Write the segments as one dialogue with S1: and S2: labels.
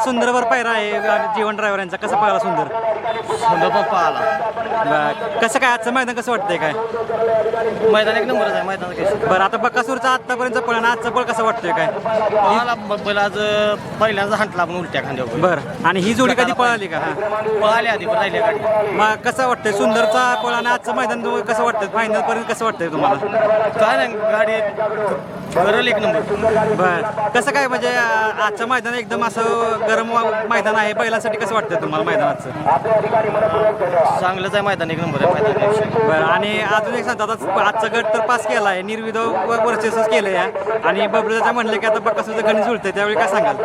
S1: सुंदरवर पायरा आहे जीवन ड्रायव्हर यांचा, कसं पाहिला सुंदर?
S2: सुंदर पण पाहिला.
S1: कसं काय आजचं मैदान कसं वाटतंय काय?
S2: मैदान एक नंबरच आहे मैदान.
S1: बरं आता बकासूरचा आत्तापर्यंत पळ आणि आजचा पळ कसा वाटतोय काय?
S2: पळाला बैल आज पहिल्यांदा हांटला आपण उलट्या खांद्यावर.
S1: बरं आणि ही जोडी कधी पळाली का?
S2: पळाली आधी पण राहिली गाडी.
S1: मग कसं वाटतंय सुंदरचा पळ आणि आजचं मैदान कसं वाटतंय? फायनल पर्यंत कसं वाटतंय तुम्हाला?
S2: काय नाही गाडी करल एक नंबर.
S1: बरं कसं काय म्हणजे आजचं मैदान एकदम असं गरम मैदान आहे, बैलांसाठी कसं वाटतंय तुम्हाला मैदानाचं?
S2: चांगलंच आहे मैदान, एक नंबर आहे मैदान.
S1: बरं आणि अजून एक सांगता, आता आजचा गट तर पास केला आहे, निर्विधव वर्चस्व केलं आहे आणि बबलूचा म्हणलं की आता बकासूरचं गणित जुळतंय, त्यावेळी काय सांगाल?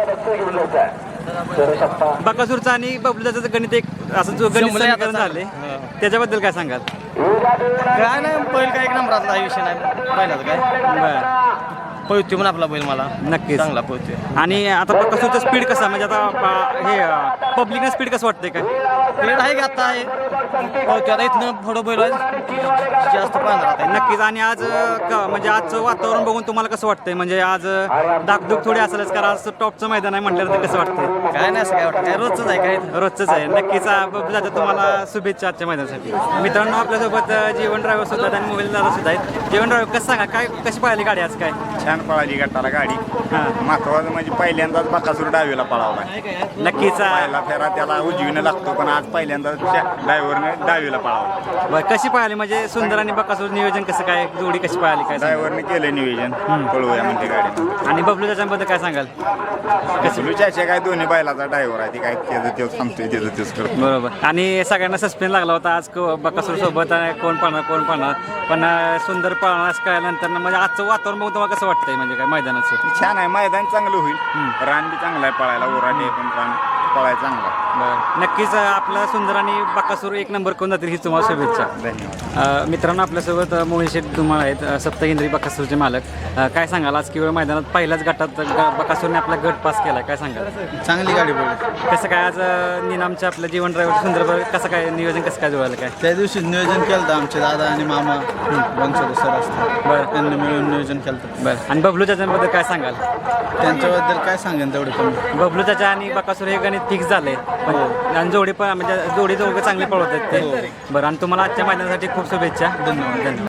S1: बकासूरचं आणि बबलूचं गणित एक असं जो गणित समीकरण झाले त्याच्याबद्दल काय सांगाल?
S2: काय नाही बैल काय एक नंबरातला हा विषय नाही बैलाचं काय.
S1: बरं
S2: पळतोय पण आपला बैल मला
S1: नक्कीच
S2: चांगला पळतोय.
S1: आणि आता बकासूरचं स्पीड कसा म्हणजे आता हे पब्लिकनं स्पीड कसं वाटतंय काय?
S2: प्लेट आहे की आता आहे पळतोय आता इथनं थोडं बैल जास्त पाहणार आहे.
S1: नक्कीच आणि आज म्हणजे आजचं वातावरण बघून तुम्हाला कसं वाटतंय? म्हणजे आज धाकधूक थोडी असेलच कारण आज टॉपचं मैदान आहे म्हटल्यानंतर कसं वाटतंय?
S2: काय नाही असं काय वाटतं, काय रोजच आहे काय.
S1: रोजच आहे. नक्कीच जातं तुम्हाला शुभेच्छा आजच्या मैदानासाठी. मित्रांनो आपल्यासोबत जीवन ड्रायव्हर सुद्धा आहेत आणि मोबाईल दादा सुद्धा आहेत. जीवन ड्रायव्हर कसं सांगा काय कशी पळाली गाडी आज? काय
S3: छान पळाली गटाला गाडी. महत्वाचं म्हणजे पहिल्यांदाच बकासूर डावीला पळावला.
S1: नक्कीच
S3: पहिला फेरा त्याला उजवीनं लागतो पण आज पहिल्यांदाच ड्रायव्हरने डावीला पळावला.
S1: बरं कशी पळाली म्हणजे सुंदर आणि बकासूर नियोजन कसं काय, जोडी कशी पळाली काय?
S3: ड्रायव्हरने केलं नियोजन पळवूया म्हणते गाडी.
S1: आणि बबलू त्याच्याबद्दल काय सांगाल?
S3: बबलूच्या काय दोन्ही बैलाचा ड्रायव्हर आहे, ती काय त्याचं तेच थांबतोय त्याचं तेच करतो.
S1: बरोबर आणि सगळ्यांना सस्पेन्स लागला होता आज बकासूर सोबत कोण पळणार पण सुंदर पळणार असं कळल्यानंतर म्हणजे आजचं वातावरण बघून तुम्हाला कसं वाटतंय म्हणजे काय मैदानाचं?
S3: छान आहे मैदान, चांगलं होईल. रान बी चांगलं आहे पळायला, ओराडे पण रान पळायला चांगलं आहे.
S1: बरं नक्कीच आपला सुंदर आणि बकासूर एक नंबर करून जातील ही तुम्हाला शुभेच्छा.
S3: धन्यवाद.
S1: मित्रांनो आपल्यासोबत मोहित शेठ धुमाळ आहेत, सप्तकेंद्री बकासूरचे मालक. काय सांगाल आज केवळ मैदानात पहिल्याच गटात बकासूरने आपला गट पास केला, काय सांगाल?
S2: चांगली गाडी पडली.
S1: कसं काय आज निनामचे आपलं जीवन ड्रायव्हर सुंदर कसं काय नियोजन कसं काय जुळालं काय?
S2: त्या दिवशी नियोजन केलं होतं आमचे दादा आणि मामा बनसोडे सर असतात.
S1: बरं
S2: त्यांनी मिळून नियोजन केलं होतं.
S1: बरं आणि बबलू चाचांबद्दल काय सांगाल?
S2: त्यांच्याबद्दल काय सांगेन तेवढं कमी.
S1: बबलू चाचा आणि बकासूर हे गणित फिक्स झाले आणि जोडी पण म्हणजे जोडी दोघं चांगले पळवत आहेत ते. बरं आणि तुम्हाला आजच्या मैदानासाठी खूप शुभेच्छा.
S2: धन्यवाद.